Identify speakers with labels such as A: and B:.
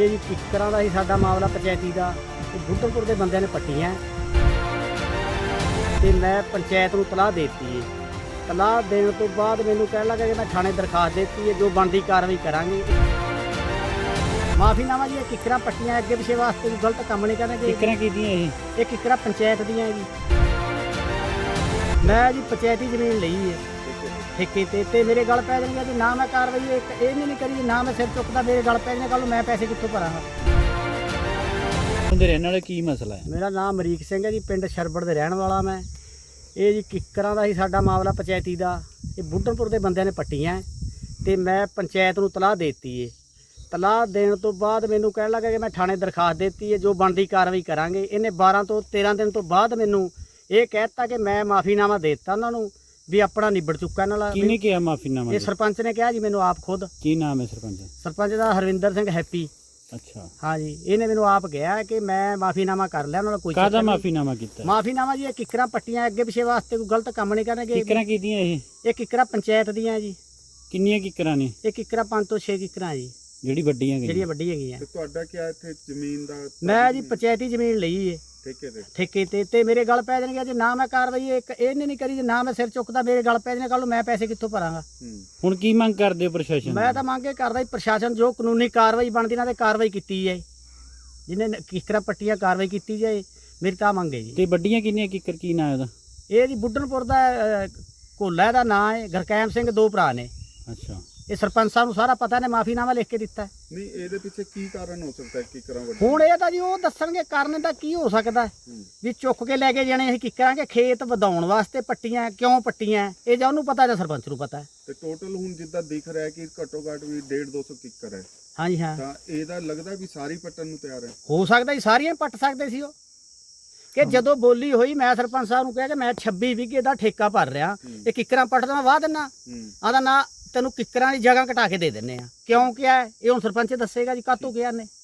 A: ਇਹ ਜੀ ਕਿੱਕਰਾਂ ਦਾ ਹੀ ਸਾਡਾ ਮਾਮਲਾ ਪੰਚਾਇਤੀ ਦਾ ਤੇ ਬੁੱਢਲਪੁਰ ਦੇ ਬੰਦਿਆਂ ਨੇ ਪੱਟੀਆਂ ਤੇ ਮੈਂ ਪੰਚਾਇਤ ਨੂੰ ਤਲਾਹ ਦੇਤੀ ਹੈ। ਤਲਾਹ ਦੇਣ ਤੋਂ ਬਾਅਦ ਮੈਨੂੰ ਕਹਿਣ ਲੱਗਾ ਕਿ ਮੈਂ ਥਾਣੇ ਦਰਖਾਸਤ ਦਿੱਤੀ ਹੈ, ਜੋ ਬਣਦੀ ਕਾਰਵਾਈ ਕਰਾਂਗੇ। ਮਾਫੀਨਾਮਾ ਜੀ, ਇਹ ਕਿੱਕਰਾਂ ਪੱਟੀਆਂ ਅੱਗੇ ਪਿਛੇ ਵਾਸਤੇ ਵੀ ਗਲਤ ਕੰਮ ਨਹੀਂ ਕਰਨਗੇ।
B: ਕਿੱਕਰਾਂ ਕੀਦੀਆਂ
A: ਇਹ ਕਿੱਕਰਾਂ ਪੰਚਾਇਤ ਦੀਆਂ ਜੀ। ਮੈਂ ਜੀ ਪੰਚਾਇਤੀ ਜ਼ਮੀਨ ਲਈ ਹੈ ਠੇਕੇ ਤੇ ਮੇਰੇ ਗਲ ਪੈ ਜਾਣਗੇ ਜੀ। ਨਾ ਮੈਂ ਕਾਰਵਾਈ ਇਹ ਨਹੀਂ ਕਰੀ, ਨਾ ਮੈਂ ਸਿਰ ਚੁੱਕਦਾ, ਮੇਰੇ ਗਲ ਪੈ ਜਾਣੇ। ਕੱਲ ਨੂੰ ਮੈਂ ਪੈਸੇ ਕਿੱਥੋਂ ਭਰਾਂਗਾ?
B: ਉਹਦੇ ਰਹਿਣ ਵਾਲੇ ਕੀ ਮਸਲਾ ਹੈ?
A: ਮੇਰਾ ਨਾਮ ਅਮਰੀਕ ਸਿੰਘ ਹੈ ਜੀ, ਪਿੰਡ ਸ਼ਰਬੜ ਦੇ ਰਹਿਣ ਵਾਲਾ ਮੈਂ। ਇਹ ਜੀ ਕਿੱਕਰਾਂ ਦਾ ਹੀ ਸਾਡਾ ਮਾਮਲਾ ਪੰਚਾਇਤੀ ਦਾ। ਇਹ ਬੁੱਢਲਪੁਰ ਦੇ ਬੰਦਿਆਂ ਨੇ ਪੱਟੀਆਂ ਤੇ ਮੈਂ ਪੰਚਾਇਤ ਨੂੰ ਤਲਾਹ ਦੇਤੀ ਹੈ। ਤਲਾਹ ਦੇਣ ਤੋਂ ਬਾਅਦ ਮੈਨੂੰ ਕਹਿਣ ਲੱਗਾ ਕਿ ਮੈਂ ਥਾਣੇ ਦਰਖਾਸਤ ਦਿੱਤੀ ਹੈ, ਜੋ ਬਣਦੀ ਕਾਰਵਾਈ ਕਰਾਂਗੇ। ਇਹਨੇ 12 ਤੋਂ 13 ਦਿਨ ਤੋਂ ਬਾਅਦ ਮੈਨੂੰ ਇਹ ਕਹਿ ਦਿੱਤਾ ਕਿ ਮੈਂ ਮਾਫੀਨਾਮਾ ਦੇ ਦਿੱਤਾ ਉਹਨਾਂ ਨੂੰ ਵੀ ਆਪਣਾ ਨਿਬੜ ਚੁੱਕਾ ਇਹਨਾਂ ਨਾਲ।
B: ਕਿਹਨੇ ਕਿਹਾ ਮਾਫੀਨਾਮਾ?
A: ਇਹ ਸਰਪੰਚ ਨੇ ਕਿਹਾ ਜੀ ਮੈਨੂੰ ਆਪ ਖੁਦ।
B: ਕੀ ਨਾਮ ਹੈ ਸਰਪੰਚ?
A: ਸਰਪੰਚ ਦਾ ਹਰਵਿੰਦਰ ਸਿੰਘ ਹੈਪੀ।
B: ਅੱਛਾ,
A: ਹਾਂ ਜੀ, ਇਹਨੇ ਮੈਨੂੰ ਆਪ ਕਿਹਾ ਕਿ ਮੈਂ ਮਾਫੀਨਾਮਾ ਕਰ ਲਿਆ ਉਹਨਾਂ ਨਾਲ। ਕੋਈ
B: ਕਾਹਦਾ ਮਾਫੀਨਾਮਾ ਕੀਤਾ?
A: ਮਾਫੀਨਾਮਾ ਜੀ, ਇਹ ਕਿੱਕਰਾਂ ਪੱਟੀਆਂ ਅੱਗੇ ਪਿਛੇ ਵਾਸਤੇ ਕੋਈ ਗਲਤ ਕੰਮ ਨਹੀਂ ਕਰਨਗੇ।
B: ਕਿੱਕਰਾਂ ਕੀਦੀਆਂ
A: ਇਹ ਕਿੱਕਰਾਂ ਪੰਚਾਇਤ ਦੀਆਂ ਜੀ।
B: ਕਿੰਨੀਆਂ ਕਿੱਕਰਾਂ ਨੇ?
A: ਇਹ ਕਿੱਕਰਾਂ 5 ਤੋਂ 6 ਕਿੱਕਰਾਂ ਜੀ,
B: ਜਿਹੜੀ ਵੱਡੀਆਂ
A: ਜਿਹੜੀਆਂ ਵੱਡੀਆਂ ਹੈਗੀਆਂ।
C: ਤੇ ਤੁਹਾਡਾ ਕੀ ਇੱਥੇ ਜ਼ਮੀਨ ਦਾ?
A: ਮੈਂ ਜੀ ਪੰਚਾਇਤੀ ਜ਼ਮੀਨ ਲਈ ਹੈ ਠੇਕੇ ਤੇ ਮੇਰੇ ਗਲ ਪੈ ਜਾਣਗੇ ਜੇ ਨਾ ਮੈਂ ਕਾਰਵਾਈ ਇਹ ਨਹੀਂ ਕਰੀ, ਜੇ ਨਾ ਮੈਂ ਸਿਰ ਚੁੱਕਦਾ, ਮੇਰੇ ਗਲ ਪੈ ਜਾਣੇ। ਕੱਲ ਨੂੰ ਮੈਂ ਪੈਸੇ ਕਿੱਥੋਂ ਭਰਾਂਗਾ?
B: ਹੁਣ ਕੀ ਮੰਗ ਕਰਦੇ ਹੋ ਪ੍ਰਸ਼ਾਸਨ?
A: ਮੈਂ ਤਾਂ ਮੰਗ ਇਹ ਕਰਦਾ ਜੀ, ਪ੍ਰਸ਼ਾਸਨ ਜੋ ਕਾਨੂੰਨੀ ਕਾਰਵਾਈ ਬਣਦੀ ਨਾ ਤੇ ਕਾਰਵਾਈ ਕੀਤੀ ਜਾਏ। ਜਿਹਨੇ ਕਿੱਕਰਾਂ ਪੱਟੀਆਂ ਕਾਰਵਾਈ ਕੀਤੀ ਜਾਏ, ਮੇਰੀ ਤਾਂ ਮੰਗ ਹੈ ਜੀ।
B: ਤੇ ਵੱਡੀਆਂ ਕਿੰਨੀਆਂ ਕਿੱਕਰ? ਕੀ ਨਾਂ ਉਹਦਾ?
A: ਇਹ ਜੀ ਬੁੱਢਲਪੁਰ ਦਾ ਕੋਲਾ ਦਾ ਨਾਂ ਹੈ। ਗੁਰਕੈਮ ਸਿੰਘ, 2 ਭਰਾ ਨੇ।
B: ਅੱਛਾ,
A: ਇਹ ਸਰਪੰਚ ਸਾਹਿਬ ਨੂੰ ਸਾਰਾ ਪਤਾ ਨੇ, ਮਾਫੀਨਾਮਾ ਲਿਖ ਕੇ ਦਿੱਤਾ।
C: ਨਹੀਂ, ਇਹਦੇ ਪਿੱਛੇ ਕੀ ਕਾਰਨ ਹੋ ਸਕਦਾ ਹੈ ਕਿੱਕਰਾਂ ਵੱਡੀ?
A: ਹੁਣ ਇਹ ਤਾਂ ਜੀ ਉਹ ਦੱਸਣਗੇ ਕਾਰਨ ਦਾ ਕੀ ਹੋ ਸਕਦਾ ਵੀ ਚੁੱਕ ਕੇ ਲੈ ਕੇ ਜਾਣੇ ਅਸੀਂ ਕਿੱਕਰਾਂ ਕੇ ਖੇਤ ਵਧਾਉਣ ਵਾਸਤੇ ਪੱਟੀਆਂ, ਕਿਉਂ ਪੱਟੀਆਂ, ਇਹ ਜਾਂ ਉਹਨੂੰ ਪਤਾ ਜਾਂ ਸਰਪੰਚ ਨੂੰ ਪਤਾ।
C: ਤੇ ਟੋਟਲ ਹੁਣ ਜਿੱਦਾਂ ਦਿਖ ਰਿਹਾ ਕਿ ਘੱਟੋ ਘੱਟ ਵੀ 150-200 ਕਿੱਕਰ ਹੈ।
A: ਹਾਂਜੀ ਹਾਂ,
C: ਤਾਂ ਇਹਦਾ ਲੱਗਦਾ ਵੀ ਸਾਰੀ ਪੱਟਣ ਨੂੰ ਤਿਆਰ ਹੈ।
A: ਹੋ ਸਕਦਾ ਜੀ ਸਾਰੀਆਂ ਪੱਟ ਸਕਦੇ ਸੀ ਉਹ। ਕਿ ਜਦੋਂ ਬੋਲੀ ਹੋਈ, ਮੈਂ ਸਰਪੰਚ ਸਾਹਿਬ ਨੂੰ ਕਿਹਾ ਕਿ ਮੈਂ 26 ਵਿਗੇ ਦਾ ਠੇਕਾ ਭਰ ਰਿਹਾ, ਇਹ ਕਿੱਕਰਾਂ ਪੱਟਦਾ ਮੈਂ ਵਾਹ ਦਿੰਨਾ। ਆਦਾ ਨਾ ਤੈਨੂੰ ਕਿੱਕਰਾਂ ਦੀ ਜਗ੍ਹਾ ਘਟਾ ਕੇ ਦੇ ਦਿੰਨੇ ਆ। ਕਿਉਂ ਕਿਹਾ ਇਹ ਹੁਣ ਸਰਪੰਚ ਦੱਸੇਗਾ ਜੀ, ਕਾਹਤੋਂ ਕਿਹਾ ਨੇ।